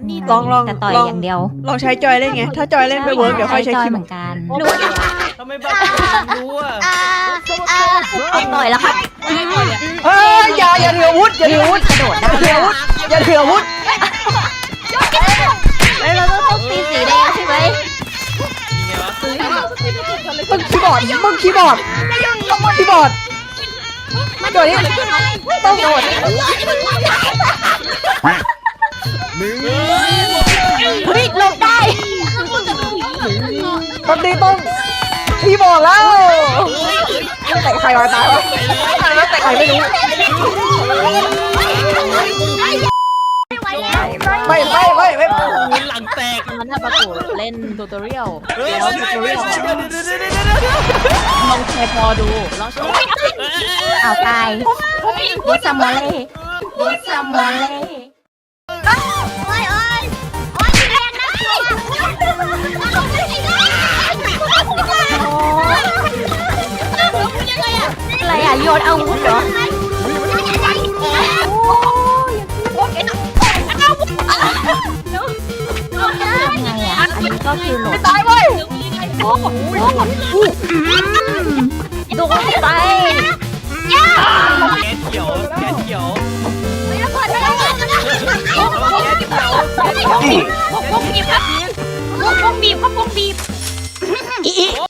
ลองแต่ต่อยอย่างเดียวลองใช้จอยเล่นไงถ้าจอยเล่นไม่เวิร์กเดี๋ยวค่อยใช้จอยคีย์เหมือนกันทำไมบ้ารู้อ่ะต่อยแล้วครับเฮ้ยอย่าถืออาวุธอย่าถืออาวุธกระโดดได้อย่าถืออาวุธแล้วเราต้องตีสีแดงใช่ไหมยังไงวะมึงคีย์บอร์ดตัวนี้ต้องโดดเฮ้ยหลบได้ตอนนี้ต้องคีย์บอร์ดแล้วแต่ใครวะตายวะแต่ใครไม่รู้ไม่หลังแตกมันถ้าประกวดเล่นทูตอเรียลเฮ้ยแล้วทูตอเรียลลองแชร์พอดูลองแชร์เอาตายบุษมอเล่บุษมอเล่อะไรอ่ะโยนอาวุธเหรอยังไงอ่ะอันนี้ก็คือโหลดตายเว้ยโดนไปแกเขียวแกเขียวพวกบีบครับพวกบีบ